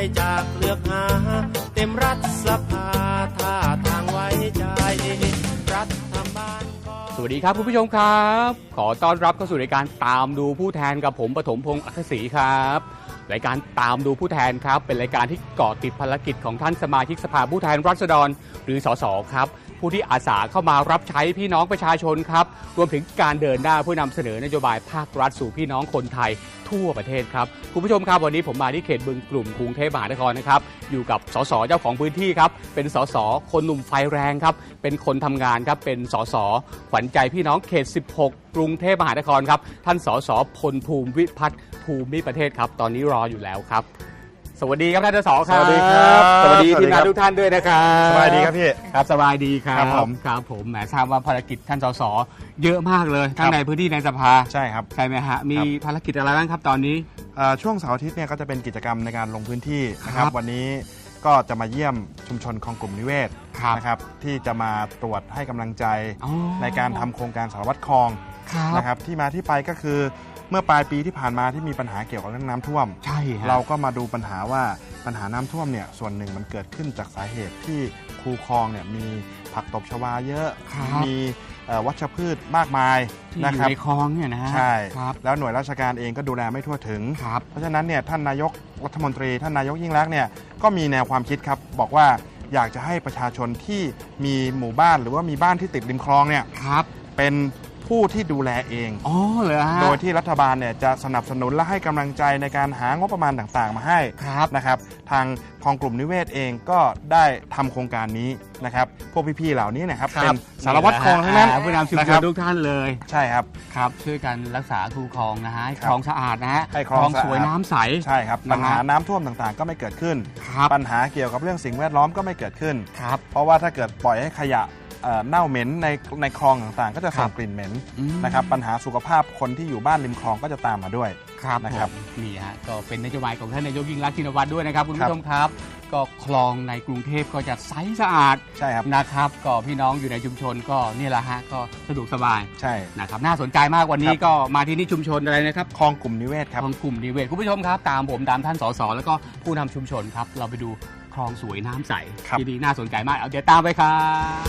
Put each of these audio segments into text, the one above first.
จากเลือกหาเต็มรัฐสภาท่าทางไว้ใจรัฐบาลสวัสดีครับคุณผู้ชมครับขอต้อนรับเข้าสู่รายการตามดูผู้แทนกับผมปฐมพงษ์อัครศรีครับรายการตามดูผู้แทนครับเป็นรายการที่เกาะติดภารกิจของท่านสมาชิกสภาผู้แทนราษฎรหรือสสครับผู้ที่อาสาเข้ามารับใช้พี่น้องประชาชนครับรวมถึงการเดินหน้าเพื่อนำเสนอนโยบายภาครัฐสู่พี่น้องคนไทยทั่วประเทศครับคุณผู้ชมครับวันนี้ผมมาที่เขตบึงกลุ่มกรุงเทพมหานครนะครับอยู่กับสสเจ้าของพื้นที่ครับเป็นสสคนหนุ่มไฟแรงครับเป็นคนทำงานครับเป็นสสขวัญใจพี่น้องเขต16กรุงเทพมหานครครับท่านสสพลภูมิวิพัฒน์ภูมิประเทศครับตอนนี้รออยู่แล้วครับสวัสดีครับท่านสสครับสวัสดีครับสวัสดีทีมงานทุกท่านด้วยนะครับสบายดีครับพี่ครับสบายดีครับครับผมแหมทราบว่าภารกิจท่านสสเยอะมากเลยทั้งในพื้นที่ในสภาใช่ครับใช่ไหมฮะมีภารกิจอะไรบ้างครับตอนนี้ช่วงเสาร์อาทิตย์เนี่ยก็จะเป็นกิจกรรมในการลงพื้นที่นะครับวันนี้ก็จะมาเยี่ยมชุมชนคลองกลุ่มนิเวศนะครับที่จะมาตรวจให้กำลังใจในการทำโครงการสารวัตรคลองนะครับที่มาที่ไปก็คือเมื่อปลายปีที่ผ่านมาที่มีปัญหาเกี่ยวกับเรื่องน้ำท่วมใช่เราก็มาดูปัญหาว่าปัญหาน้ำท่วมเนี่ยส่วนหนึ่งมันเกิดขึ้นจากสาเหตุที่คูคลองเนี่ยมีผักตบชวาเยอะมีวัชพืชมากมายนะครับในคลองเนี่ยนะฮะใช่แล้วหน่วยราชการเองก็ดูแลไม่ทั่วถึงเพราะฉะนั้นเนี่ยท่านนายกรัฐมนตรีท่านนายกยิ่งลักษณ์เนี่ยก็มีแนวความคิดครับบอกว่าอยากจะให้ประชาชนที่มีหมู่บ้านหรือว่ามีบ้านที่ติดริมคลองเนี่ยเป็นผู้ที่ดูแลเองโดยที่รัฐบาลเนี่ยจะสนับสนุนและให้กำลังใจในการหางบประมาณต่างๆมาให้นะครับทางคลองกลุ่มนิเวศเองก็ได้ทำโครงการนี้นะครับพวกพี่ๆเหล่านี้นะครับเป็นสารวัตรคลองทั้งนั้นผู้นำชุมชนทุกท่านเลยใช่ครับช่วยกันรักษาคูคลองนะฮะให้คลองสะอาดนะฮะให้คลองสวยน้ำใสใช่ครับปัญหาน้ำท่วมต่างๆก็ไม่เกิดขึ้นปัญหาเกี่ยวกับเรื่องสิ่งแวดล้อมก็ไม่เกิดขึ้นเพราะว่าถ้าเกิดปล่อยให้ขยะเน่าเหม็นในคลองต่างๆก็จะส่งกลิ่นเหม็นนะครับปัญหาสุขภาพคนที่อยู่บ้านริมคลองก็จะตามมาด้วยนะครับนี่ฮะก็เป็นนโยบายของท่านนายกยิ่งรักษณ์ชินวัตรด้วยนะครับคุณผู้ชมครับก็คลองในกรุงเทพก็จะใสสะอาดใช่ครับนะครับก็พี่น้องอยู่ในชุมชนก็นี่แหละฮะก็สะดวกสบายใช่นะครับน่าสนใจมากวันนี้ก็มาที่นี่ชุมชนอะไรนะครับคลองกลุ่มนิเวศครับคลองกลุ่มนิเวศคุณผู้ชมครับตามผมตามท่านสสแล้วก็ผู้นำชุมชนครับเราไปดูคลองสวยน้ำใสที่ดีน่าสนใจมากเอาเดี๋ยวตามไปครับ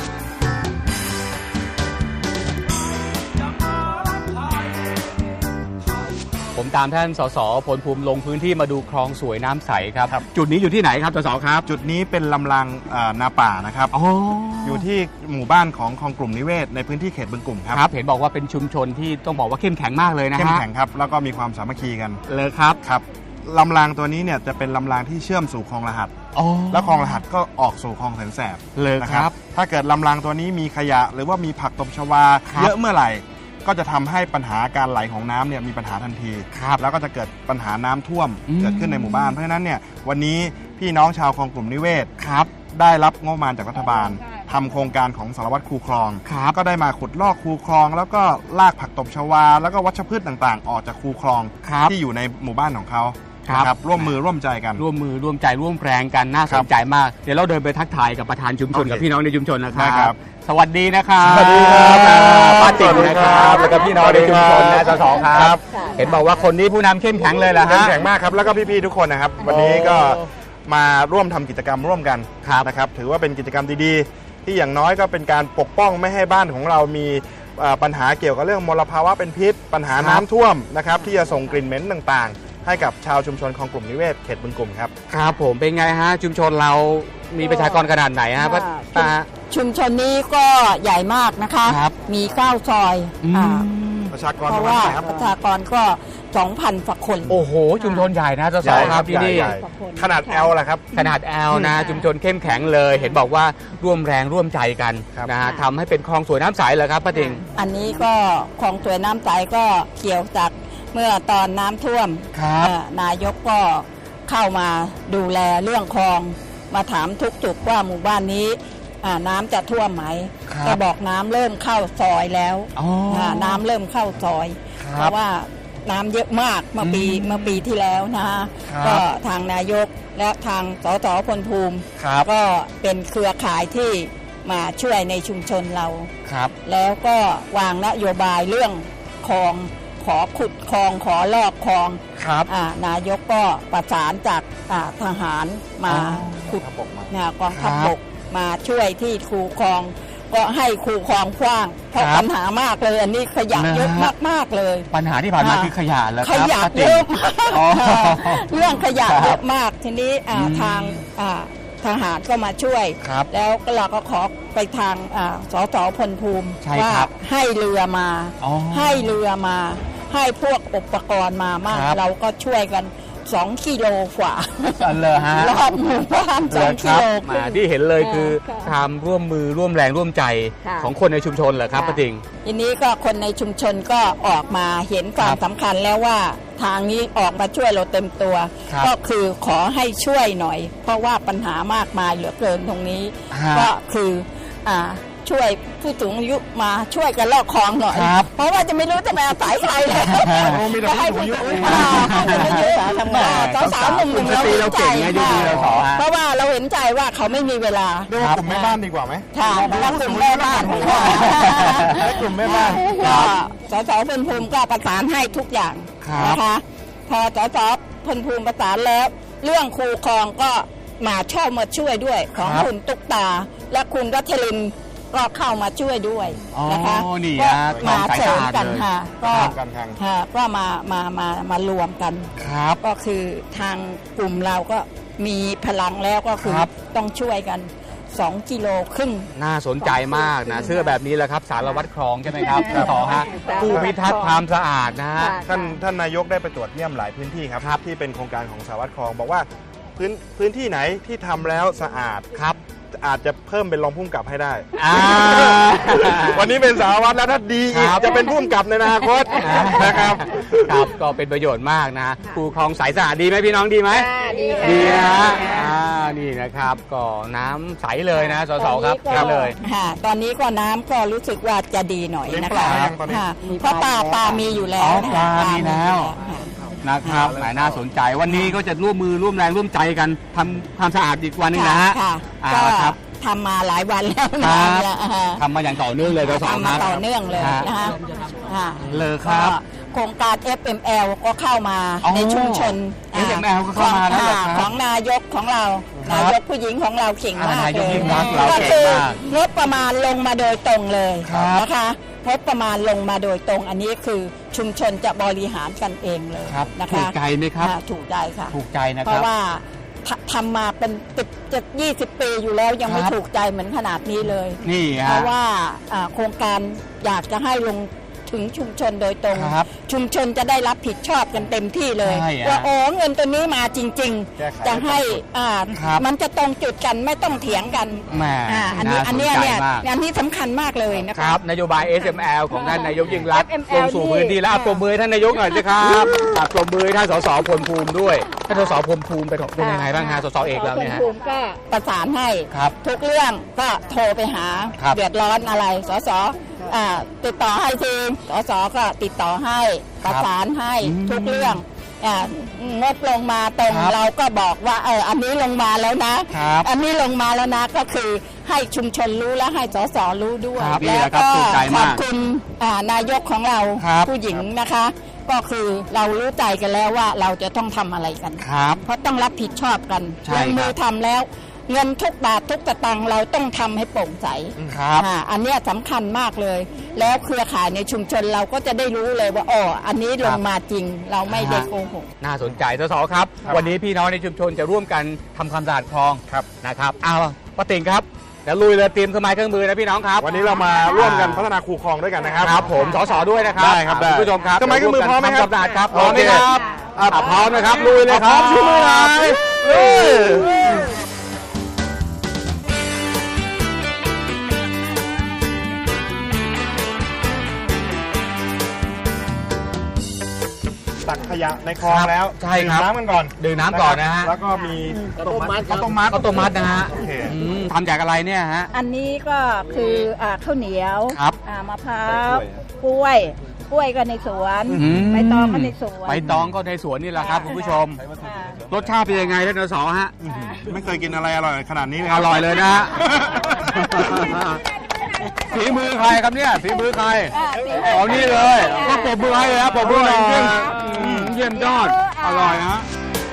ผมตามท่านสสพลภูมิลงพื้นที่มาดูคลองสวยน้ำใสครับจุดนี้อยู่ที่ไหนครับสสครับจุดนี้เป็นลำรางนาป่านะครับอยู่ที่หมู่บ้านของคลองกลุ่มนิเวศในพื้นที่เขตบึงกลุ่มครับเห็นบอกว่าเป็นชุมชนที่ต้องบอกว่าเข้มแข็งมากเลยนะฮะเข้มแข็งครับแล้วก็มีความสามัคคีกันเลยครับลำรางตัวนี้เนี่ยจะเป็นลำรางที่เชื่อมสู่คลองรหัสแล้วคลองรหัสก็ออกสู่คลองแสนแสบเลยครับถ้าเกิดลำรางตัวนี้มีขยะหรือว่ามีผักตบชวาเยอะเมื่อไหร่ก็จะทำให้ปัญหาการไหลของน้ำเนี่ยมีปัญหาทันทีแล้วก็จะเกิดปัญหาน้ำท่วมเกิดขึ้นในหมู่บ้านเพราะฉะนั้นเนี่ยวันนี้พี่น้องชาวคลองกลุ่มนิเวศได้รับงบประมาณจากรัฐบาลทำโครงการของสารวัตรคูคลองก็ได้มาขุดลอกคูคลองแล้วก็ลากผักตบชวาแล้วก็วัชพืชต่างๆออกจากคูคลองที่อยู่ในหมู่บ้านของเขาครับร่วมมือร่วมใจกันร่วมมือร่วมใจร่วมแรงกันน่าสนใจมากเดี๋ยวเราเดินไปทักทายกับประธานชุมชนกับพี่น้องในชุมชนนะครับสวัสดีนะครับสวัสดีครับป้าติ๋มนะครับแล้วก็พี่น้องในชุมชนนะสสครับเห็นบอกว่าคนนี้ผู้นำเข้มแข็งเลยล่ะฮะเข้มแข็งมากครับแล้วก็พี่ๆทุกคนนะครับวันนี้ก็มาร่วมทำกิจกรรมร่วมกันนะครับถือว่าเป็นกิจกรรมดีๆที่อย่างน้อยก็เป็นการปกป้องไม่ให้บ้านของเรามีปัญหาเกี่ยวกับเรื่องมลภาวะเป็นพิษปัญหาน้ำท่วมนะครับที่จะส่งกลิ่นเหม็นต่างๆให้กับชาวชุมชนคลองกลุ่มนิเวศเขตบึงกลุ่มครับครับผมเป็นไงฮะชุมชนเรามีประชากรขนาดไหนฮะชุมชนนี้ก็ใหญ่มากนะคะมี9ซอยประชากรเพราะว่าประชากรก็ 2,000 กว่าคนโอ้โหชุมชนใหญ่นะสสครับที่นี่ขนาด L ล่ะครับขนาด L นะชุมชนเข้มแข็งเลยเห็นบอกว่าร่วมแรงร่วมใจกันนะฮะทำให้เป็นคลองสวยน้ำใสเลยครับป้าติ๋งอันนี้ก็คลองสวยน้ำใสก็เกี่ยวจากเมื่อตอนน้ำท่วมนายกก็เข้ามาดูแลเรื่องคลองมาถามทุกจุดว่าหมู่บ้านนี้น้ำจะท่วมไหมก็บอกน้ำเริ่มเข้าซอยแล้วน้ำเริ่มเข้าซอยเพราะว่าน้ำเยอะมากเมื่อปีที่แล้วนะก็ทางนายกและทางสสพลภูมิก็เป็นเครือข่ายที่มาช่วยในชุมชนเราแล้วก็วางนโยบายเรื่องคลองขอขุดคลองขอลอกคลองครับนายกก็ประสานจากทหารมาขุดกองทัพบกมาช่วยที่คูคลองก็ให้คูคลองกว้างเพราะปัญหามากเลยอันนี้ขยะเยอะมากๆเลยปัญหาที่ผ่านมาคือขยะแล้วขยะเยอะมากเรื่องขยะเยอะมากทีนี้ทางทหารก็มาช่วยแล้วเราก็ขอไปทางสสพลภูมิว่าให้เรือมาให้เรือมาให้พวกอุปกรณ์มามากเราก็ช่วยกัน2 กิโลกว่ารอบหมู่บ้าน2 กิโลมาที่เห็นเลยคือความร่วมมือร่วมแรงร่วมใจของคนในชุมชนเหรอครับป้าติ่งทีนี้ก็คนในชุมชนก็ออกมาเห็นความสำคัญแล้วว่าทางนี้ออกมาช่วยเราเต็มตัวก็คือขอให้ช่วยหน่อยเพราะว่าปัญหามากมายเหลือเกินตรงนี้ก็คือช่วยผู้สูงอายุมาช่วยกันลอกคลองหน่อยเพราะว่าจะไม่รู้จะมาอาศัยใครเลยก็ให้ผู้สูงอายุทำงานสาวๆหนุ่มๆเราเห็นใจเพราะว่าเราเห็นใจว่าเขาไม่มีเวลาดูกลุ่มแม่บ้านดีกว่าไหมค่ะกลุ่มแม่บ้านกลุ่มแม่บ้านสสพลภูมิก็ประสานให้ทุกอย่างนะคะพอสสพลภูมิประสานแล้วเรื่องคูคลองก็มาช่วยด้วยของคุณตุ๊กตาและคุณรัชลินก็เข้ามาช่วยด้วยนะคะก็มาเสริมกันค่ะก็มารวมกันก็คือทางกลุ่มเราก็มีพลังแล้วก็คือต้องช่วยกัน2 กิโลครึ่งน่าสนใจมากนะเสื้อแบบนี้แหละครับสารวัตรคลองใช่ไหมครับต่อฮะผู้พิทักษ์ความสะอาดนะฮะท่านนายกได้ไปตรวจเยี่ยมหลายพื้นที่ครับที่เป็นโครงการของสารวัตรคลองบอกว่าพื้นที่ไหนที่ทำแล้วสะอาดครับอาจจะเพิ่มเป็นรองผู้กำกับให้ได้วันนี้เป็นสารวัตรแล้วถ้าดีอีกจะเป็นผู้กำกับในอนาคตนะครับครับก็เป็นประโยชน์มากนะคูคลองใสสะอาดดีไหมพี่น้องดีไหมดีนะนี่นะครับก็น้ำใสเลยนะสสครับเลยตอนนี้ก็น้ำก็รู้สึกว่าจะดีหน่อยนะคะเพราะปลามีอยู่แล้วปลามีแล้วนะครับน่าสนใจวันนี้ก็จะร่วมมือร่วมแรงร่วมใจกันทำความสะอาดอีกวันนึงนะฮะก็ทำมาหลายวันแล้วทำมาอย่างต่อเนื่องเลยเราทำมาต่อเนื่องเลยนะคะเลยครับโครงการ FML ก็เข้ามาในชุมชน FML ก็เข้ามาแล้วของนายกของเรานายกผู้หญิงของเราเก่งมากเลยก็คืองบประมาณลงมาโดยตรงเลยนะคะงบประมาณลงมาโดยตรงอันนี้คือชุมชนจะบริหารกันเองเลยนะคะถูกใจไหมครับถูกใจค่ะถูกใจนะครับเพราะว่าทำมาเป็น20 ปีอยู่แล้วยังไม่ถูกใจเหมือนขนาดนี้เลยนี่เพราะว่าโครงการอยากจะให้ลงถึงชุมชนโดยตรงชุมชนจะได้รับผิดชอบกันเต็มที่เลยว่าเงินตัวนี้มาจริงๆจะให้มันจะตรงจุดกันไม่ต้องเถียงกันอันนี้สำคัญมากเลยนะครับนโยบาย SML ของท่านนายกยิ่งรักษณ์ลงสู่พื้นที่แล้วปรบมือท่านนายกหน่อยสิครับปรบมือท่านสสพลภูมิด้วยท่านสสพลภูมิเป็นยังไงบ้างฮะสสเอกแล้วเนี่ยพลภูมิก็ประสานให้ทุกเรื่องก็โทรไปหาเดือดร้อนอะไรสสติดต่อให้ทีสสก็ติดต่อให้ประสานให้ทุกเรื่องงบลงมาตรงเราก็บอกว่าอันนี้ลงมาแล้วนะอันนี้ลงมาแล้วนะก็คือให้ชุมชนรู้และให้สสรู้ด้วยแล้วก็ขอบคุณนายกของเราผู้หญิงนะคะก็คือเรารู้ใจกันแล้วว่าเราจะต้องทำอะไรกันเพราะต้องรับผิดชอบกันลงมือทำแล้วเงินทุกบาททุกสตางค์เราต้องทำให้โปร่งใสอันนี้สำคัญมากเลยแล้วเครือข่ายในชุมชนเราก็จะได้รู้เลยว่าอันนี้ลงมาจริงเราไม่ได้โกหกน่าสนใจสสครับวันนี้พี่น้องในชุมชนจะร่วมกันทำความสะอาดคลองนะครับป้าติ่งครับเดี๋ยวลุยเลยเตรียมเครื่องไม้เครื่องมือนะพี่น้องครับวันนี้เรามาร่วมกันพัฒนาคูคลองด้วยกันนะครับครับผมสสด้วยนะครับได้ครับคุณผู้ชมครับเครื่องไม้เครื่องมือพร้อมไหมครับพร้อมไหมครับพร้อมนะครับลุยเลยครับชูมือเลยตักขยะในคลองแล้วใช่ครับดื่มน้ำกันก่อนดื่มน้ำก่อนนะฮะแล้วก็มีข้าวต้มมัดนะฮะทำจากอะไรเนี่ยฮะอันนี้ก็คือข้าวเหนียวมะพร้าวกล้วยก็ในสวนใบตองก็ในสวนใบตองก็ในสวนนี่แหละครับคุณผู้ชมรสชาติเป็นยังไงท่านส.ฮะไม่เคยกินอะไรอร่อยขนาดนี้เลยอร่อยเลยนะฮะฝีมือใครครับเนี่ยฝีมือใครเอานี่เลยก็ปรบมือให้เลยครับปรบมือหน่อยจริงเยี่ยมยอดอร่อยฮะ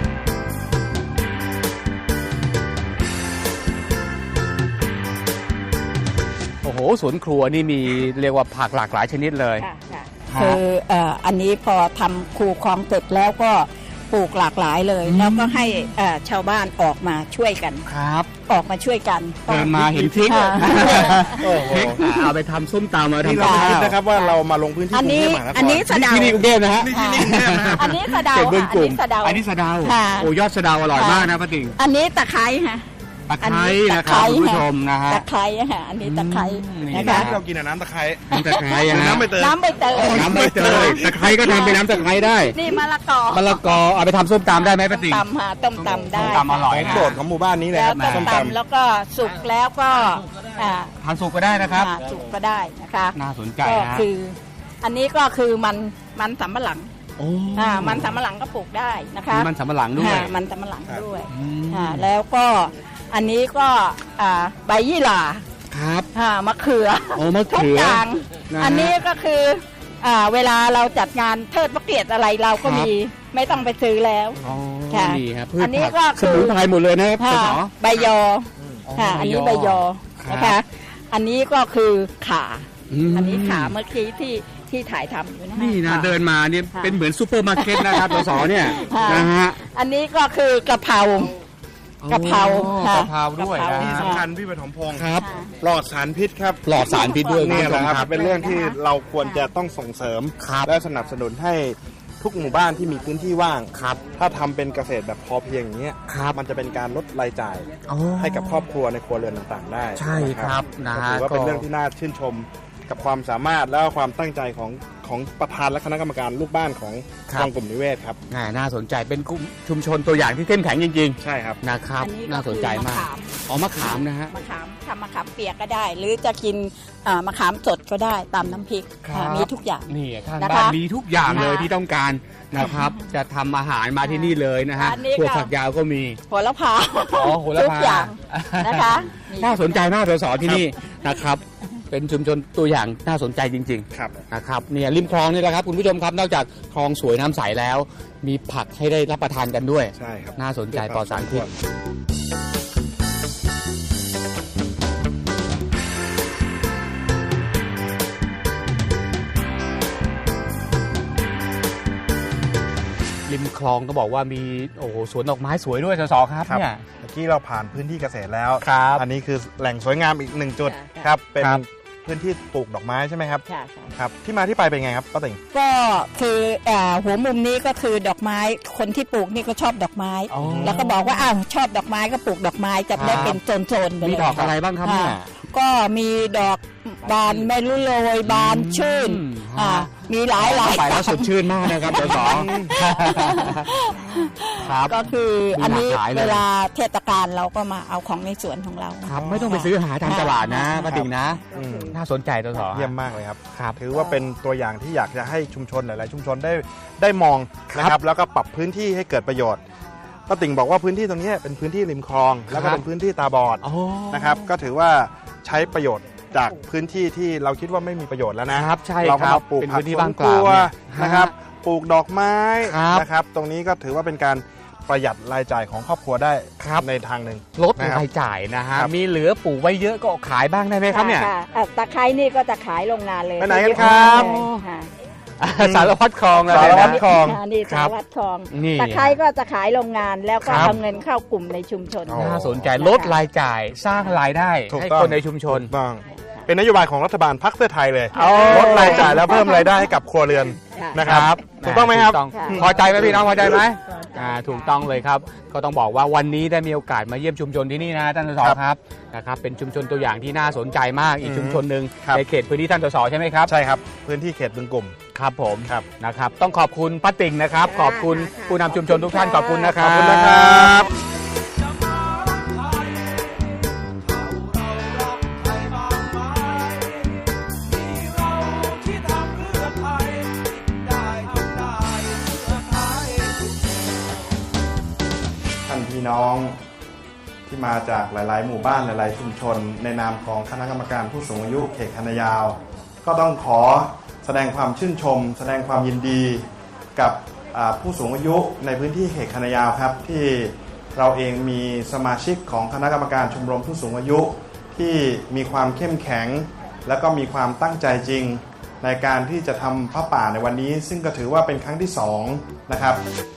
โอ้โหสวนครัวนี่มีเรียกว่าผักหลากหลายชนิดเลยคืออันนี้พอทำคูคลองเสร็จแล้วก็ปลูกหลากหลายเลย แล้วก็ให้ชาวบ้านออกมาช่วยกันครับออกมาช่วยกันเดินมาเห็นพริกค่ะพริกเอาไปทำส้มตำมาที่ทำเรากับไม่คิดข้าวนะครับว่าเรามาลงพื้นที่กอันรุงนี้เทพมหานครอันนี้สะเดาที่นี่กรุงเทพนะฮะที่นี่กรุงเทพนะฮะอันนี้สะเดาเขตบึงกลุ่มอันนี้สะเดาอันนี้สะเดาค่ะโอ้ยอดสะเดาอร่อยมากนะป้าติ๋งอันนี้ตะไคร้ค่ะตะไคร้อันะครับคุณผู้ชมนะฮะตะไคร้ค่ะอันนี้ตะไคร้นี่นะน้ำคะที่เรากินน้ำตะไคร้น้ำตะไคร้หรือฮะน้ำใบเตยน้ำใบเตยน้ำใบเตยตะไคร้ก็ทำเป็นน้ำตะไคร้ได้นี่มะละกอมะละกอเอาไปทำส้มตำได้ไหมป้าติ๋งตำค่ะต้มตำได้ส้มตำอร่อยของโปรดของหมู่บ้านนี้เลยแล้คว รับต้ส้มมตตำแล้วก็สุกแล้วก็อ่าทานสุกก็ได้นะครับสุกก็ได้นะคะน่าสนใจก็ฮะคือ อันนี้ก็คือมันสำปะหลังโอ้มันสำปะหลังก็ปลูกได้นะคะมีมันสำปะหลังด้วยมันสำปะหลังด้วยอืมแล้วก็อันนี้ก็ใบยี่หร่าครับมะเขือโอ้มะทุกเขืออย่างนะฮะอันนี้ก็คือเวลาเราจัดงานเทิดพระเกียรติอะไรเราก็ครับมีไม่ต้องไปซื้อแล้วอ๋อค่ะนี่ครับพืชอันนี้ผักก็สคือมุนไพรหมดเลยนะครับค่ะสสใบยออ๋อค่ะ อันนี้ใบใบยยออนะคะ อันนี้ก็คือขามอันนี้ขาเมื่อกี้ที่ถ่ายทำอยู่นะนี่นะค่เดินมาเนี่ยค่ะเป็นเหมือนซูเปอร์มาร์เก็ตนะครับสสเนี่ยค่ะนะฮะอันนี้ก็คือกะเพรากะเพราโอ้ค่ะกะเพราด้วยกะเพรานะำที่ฮะสำคัญพี่ปฐมพงศ์ครับปลอดสารพิษครับปลอดสารพิษด้วยนี่แหละครับณผู้ชมเป็นเรื่องที่เราควรจะต้องส่งเสริมครับและสนับสนุนให้ทุกหมู่บ้านที่มีพื้นที่ว่างครับถ้าทำเป็นเกษตรแบบพอเพียงอย่างเงี้ยครับมันจะเป็นการลดรายจ่ายอ๋อให้กับครอบครัวในครัวเรือนต่างๆ ได้ใช่ครับนะก็ฮะถือว่าเป็นก็เรื่องที่น่าชื่นชมกับความสามารถและความตั้งใจของประธานและคณะกรรมการลูกบ้านของคลองกลุ่มนิเวศครับน่าสนใจเป็นกลุ่มชุมชนตัวอย่างที่เข้มแข็งจริงใช่ครับๆนะครับอันนี้ก็น่าสนใจมากคืออ๋อมะขามนะฮะมะขามทำมะขามเปียกก็ได้ หรือจะกินมะขามสดก็ได้ตามน้ำพริกครับมีทุกอย่างนี่ข้างนะคะบ้านมีทุกอย่างเลยค่ะที่ต้องการนะครับ จะทำอาหารมาที่นี่เลยนะฮะอันนี้ก็ถั่วฝักยาวก็มีโหระพาอ๋อโหระพาทุกอย่างนะคะมีน่าสนใจมากสสที่นี่นะครับ เป็นชุมชนตัวอย่างน่าสนใจจริงครับๆนะครับเนี่ยริมคลองนี่แหละครับคุณผู้ชมครับนอกจากคลองสวยน้ำใสแล้ว มีผักให้ได้รับประทานกันด้วยใช่ครับน่าสนใจปลอดสารพิษริมคลองต้องบอกว่ามีโอ้โหสวนดอกไม้สวยด้วยสสครับครับเนี่ยเมื่อกี้เราผ่านพื้นที่เกษตรแล้วครับอันนี้คือแหล่งสวยงามอีกหนึ่งจุดค่ะครับ เป็นครับพื้นที่ปลูกดอกไม้ใช่ไหมครับค่ะครับที่มาที่ไปเป็นไงครับป้าติ๋งก็คือหัวมุมนี้ก็คือดอกไม้คนที่ปลูกนี่ก็ชอบดอกไม้อ๋อแล้วก็บอกว่าชอบดอกไม้ก็ปลูกดอกไม้จะได้เป็นโซนๆไปเลยมีดอกอะไรบ้างครับเนี่ยก็มีดอกบานไม่รู้โรยบานชื่นฮะมีหลายไปแล้วสดชื่นมากนะครับสสครับก็คือมีอันนี้หลากหลายเลยเวลาเทศกาลเราก็มาเอาของในสวนของเราครับไม่ต้องไปซื้อหาทางตลาดนะครับป้าติ๋งนะอืมน่าสนใจตัวสอเยี่ยมมากเลยครับครับถือว่าเป็นตัวอย่างที่อยากจะให้ชุมชนหลาย ๆ ชุมชนได้มองนะครับ แล้วก็ปรับพื้นที่ให้เกิดประโยชน์ป้าติ๋งบอกว่าพื้นที่ตรงนี้เป็นพื้นที่ริมคลอง แล้วก็เป็นพื้นที่ตาบอดอ๋อนะครับ ก็ถือว่าใช้ประโยชน์จากพื้นที่ที่เราคิดว่าไม่มีประโยชน์แล้วนะครับใช่เราคก็รับมาปลูกเป็นผัพื้กนที่สวว่าน งคเปล่ารัวเนี่ยนะครับ ปลูกดอกไม้ครับนะครับ ตรงนี้ก็ถือว่าเป็นการประหยัดรายจ่ายของครอบครัวได้ในทางหนึ่งลดนะครับรายจ่ายนะฮะครับมีเหลือปลูกไว้เยอะก็ขายบ้างได้ไหมครับเนี่ยตะไคร้นี่ก็จะขายโรงงานเลยไปไหนกันครับค่ะสารพัดคลองแล้วสารพัดนะคลองนี่ครัสาบรวัตรทองนี่ตะไคร้ก็จะขายโรงงานแล้วก็ครับเอาเงินเข้ากลุ่มในชุมชนอ๋อน่าสนใจลดรายจ่ายสร้างรายได้ถูกให้ต้องคนในชุมชนถูกต้องเป็นนโยบายของรัฐบาลพรรคเพื่อไทยเลยเอาลดรายจ่ายแล้วเพิ่มรายได้ให้กับครัวเรือน นะครับถูกต้องไหมครับถูกค่ะพอใจไหมพี่น้องพอใจไหมถูกต้องเลยครับ ก็ต้องบอกว่าวันนี้ได้มีโอกาสมาเยี่ยมชุมชนที่นี่นะท่านสสครับนะครับเป็นชุมชนตัวอย่างที่น่าสนใจมากอีกชุมชนหนึ่งครับในเขตพื้นที่ท่านสสใช่ไหมครับใช่ครับ พื้นที่เขตบึงกลุ่มครับผมครับนะครับต้องขอบคุณป้าติ่งนะครับ ขอบคุณผู้นำชุมชนทุกท่านขอบคุณนะคขรับอบคุณนะครับ ท่านพี่น้องที่มาจากหลายๆ หมู่บ้านหลายๆชุมชนในนามของคณะกรรมการผู้สูงอายุเขตคันนายาวก็ต้องขอแสดงความชื่นชมแสดงความยินดีกับผู้สูงอายุในพื้นที่เขตคันนายาวครับที่เราเองมีสมาชิกของคณะกรรมการชมรมผู้สูงอายุที่มีความเข้มแข็งและก็มีความตั้งใจจริงในการที่จะทำผ้าป่าในวันนี้ซึ่งก็ถือว่าเป็นครั้งที่2นะครับ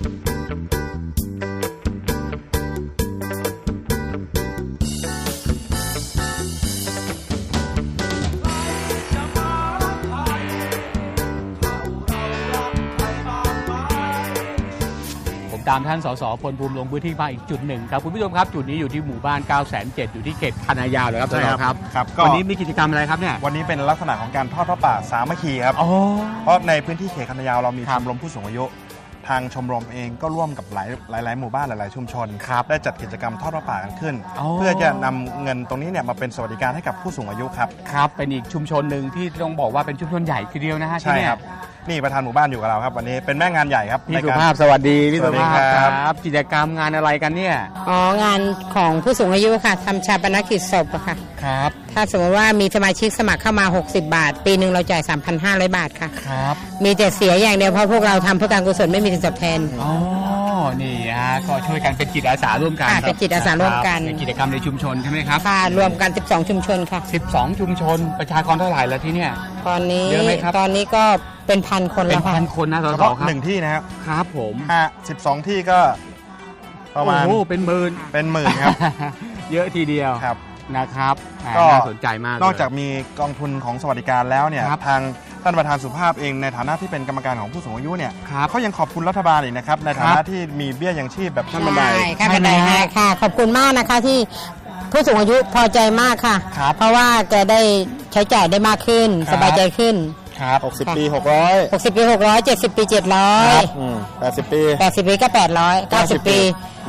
ตามท่านสสพลภูมิลงพื้นที่มาอีกจุดหนึ่งครับคุณผู้ชมครับจุดนี้อยู่ที่หมู่บ้าน 907 อยู่ที่เขตคันนายาวเลยครับใช่ครับวันนี้มีกิจกรรมอะไรครับเนี่ยวันนี้เป็นลักษณะของการทอดผ้าป่าสามัคคีครับเพราะในพื้นที่เขตคันนายาวเรามีชมรมผู้สูงอายุทางชมรมเองก็ร่วมกับหลายหมู่บ้านหลายๆชุมชนได้จัดกิจกรรมทอดผ้าป่ากันขึ้นเพื่อจะนำเงินตรงนี้เนี่ยมาเป็นสวัสดิการให้กับผู้สูงอายุครับเป็นอีกชุมชนหนึ่งที่ต้องบอกว่าเป็นชุมชนใหญ่ทีเดียวนะฮะใช่ครับนี่ประธานหมู่บ้านอยู่กับเราครับวันนี้เป็นแม่งานใหญ่ครับพี่สุภาพสวัสดีพี่สุภาพครับกิจกรรมงานอะไรกันเนี่ยงานของผู้สูงอายุค่ะทำชาปนกิจศพค่ะครับถ้าสมมติว่ามีสมาชิกสมัครเข้ามา60 บาทปีหนึ่งเราจ่าย 3,500 บาทค่ะครับมีแต่เสียอย่างเดียวเพราะพวกเราทำเพื่อการกุศลไม่มีสิ่งตอบแทนนี่ฮะก็ช่วยกันเป็นจิตอาสาร่วมกันเป็นจิตอาสาร่วมกันเป็นกิจกรรมในชุมชนใช่ไหมครับค่ะรวมกัน12ชุมชนค่ะ 12ชุมชนประชากรเท่าไหร่แล้วที่เนี่ยตอนนี้เยอะไหมครับตอนนี้ก็เป็นพันคนแล้วค่ะเป็นพันคนนะสสครับ 1ที่นะครับครับผม 12ที่ก็ประมาณเป็นหมื่นครับเยอะทีเดียวครับนะครับก็น่าสนใจมากนอกจากมีกองทุนของสวัสดิการแล้วเนี่ยทางท่านประธานสุภาพเองในฐานะที่เป็นกรรมการของผู้สูงอายุเนี่ยเขายังขอบคุณรัฐบาลอีกนะครับในฐานะที่มีเบี้ยยังชีพแบบขั้นบันไดขั้นบันไดให้ค่ะขอบคุณมากนะคะที่ผู้สูงอายุพอใจมากค่ะเพราะว่าแกได้ใช้จ่ายได้มากขึ้นสบายใจขึ้น 60 ปี600 60 ปี 600 70 ปี 700 80 ปีก็800 90 ปี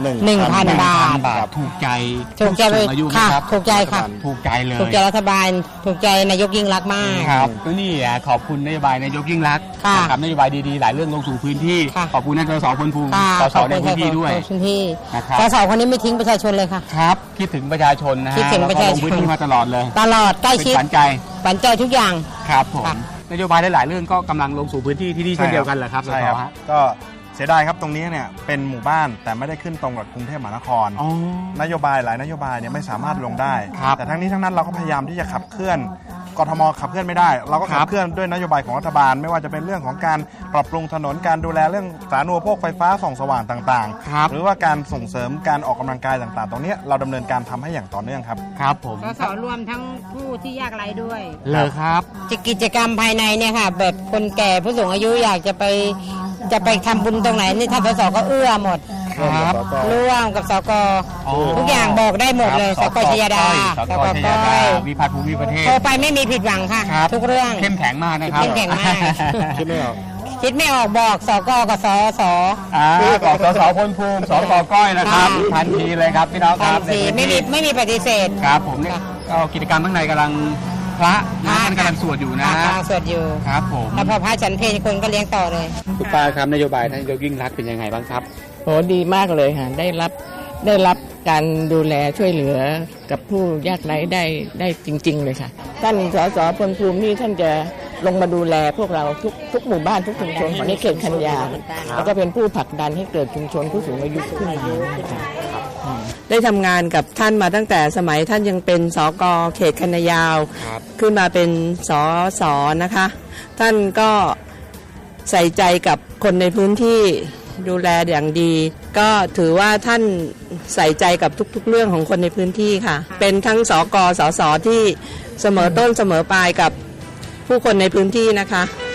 1,000 บาทถูกใจอายุครับถูกใจค่ะถูกใจเลยถูกใจรัฐบาลถูกใจนายกยิ่งรักมากครับก็นี่ขอบคุณนโยบายนายกยิ่งรักกับนโยบายดีๆหลายเรื่องลงสู่พื้นที่ขอบคุณท่านสสพลภูมิสสในพื้นที่ด้วยสสคนนี้ไม่ทิ้งประชาชนเลยค่ะครับคิดถึงประชาชนนะฮะคิดถึงประชาชนมาตลอดเลยตลอดใกล้ชิดฝันใจทุกอย่างครับผมนโยบายหลายๆเรื่องก็กำลังลงสู่พื้นที่ที่นี่เช่นเดียวกันแหละครับใช่ครับก็เสียดายครับตรงนี้เนี่ยเป็นหมู่บ้านแต่ไม่ได้ขึ้นตรงกับกรุงเทพมหานครนโยบายหลายนโยบายเนี่ยไม่สามารถลงได้แต่ทั้งนี้ทั้งนั้นเราก็พยายามที่จะขับเคลื่อนกทมขับเคลื่อนไม่ได้เราก็ขับเคลื่อนด้วยนโยบายของรัฐบาลไม่ว่าจะเป็นเรื่องของการปรับปรุงถนนการดูแลเรื่องสาธารณูปโภคไฟฟ้าส่องสว่างต่างๆหรือว่าการส่งเสริมการออกกำลังกายต่างๆตรงนี้เราดำเนินการทำให้อย่างต่อเนื่องครับครับผมสสรวมทั้งผู้ที่ยากไร้ด้วยเลยครับกิจกรรมภายในเนี่ยค่ะแบบคนแก่ผู้สูงอายุอยากจะไปทำบุญตรงไหนนี่ท่านสสก็เอื้อหมดครับร่วมกับสกทุกอย่างบอกได้หมดเลยสกชยดาสกชยดาวิพัฒน์ภูมิประเทศโทรไปไม่มีผิดหวังค่ะทุกเรื่องเข้มแข็งมากนะครับเข้มแข็งมากคิดไม่ออกบอกสกกับสสบอกสสพลภูมิสกก้อยนะครับทันทีเลยครับพี่น้องครับไม่มีปฏิเสธครับผมเนี่ยกิจกรรมข้างในกำลังพระท่านกำลังสวดอยู่นะสวดอยู่ครับผมแล้วพอพระฉันเพลคนก็เลี้ยงต่อเลยคุณป้าครับนโยบายท่านนายกยิ่งรักเป็นยังไงบ้างครับโหดีมากเลยค่ะได้รับการดูแลช่วยเหลือกับผู้ยากไร้ได้จริงๆเลยค่ะท่านสสพลภูมินี่ท่านจะลงมาดูแลพวกเราทุกหมู่บ้านทุกชุมชนของในเขตคันยาวแล้วก็เป็นผู้ผลักดันให้เกิดชุมชนผู้สูงอายุขึ้นมาได้ทำงานกับท่านมาตั้งแต่สมัยท่านยังเป็นสกเขตคันยาวขึ้นมาเป็นสสนะคะท่านก็ใส่ใจกับคนในพื้นที่ดูแลอย่างดีก็ถือว่าท่านใส่ใจกับทุกๆเรื่องของคนในพื้นที่ค่ะเป็นทั้งสกสสที่เสมอต้นเสมอปลายกับผู้คนในพื้นที่นะคะ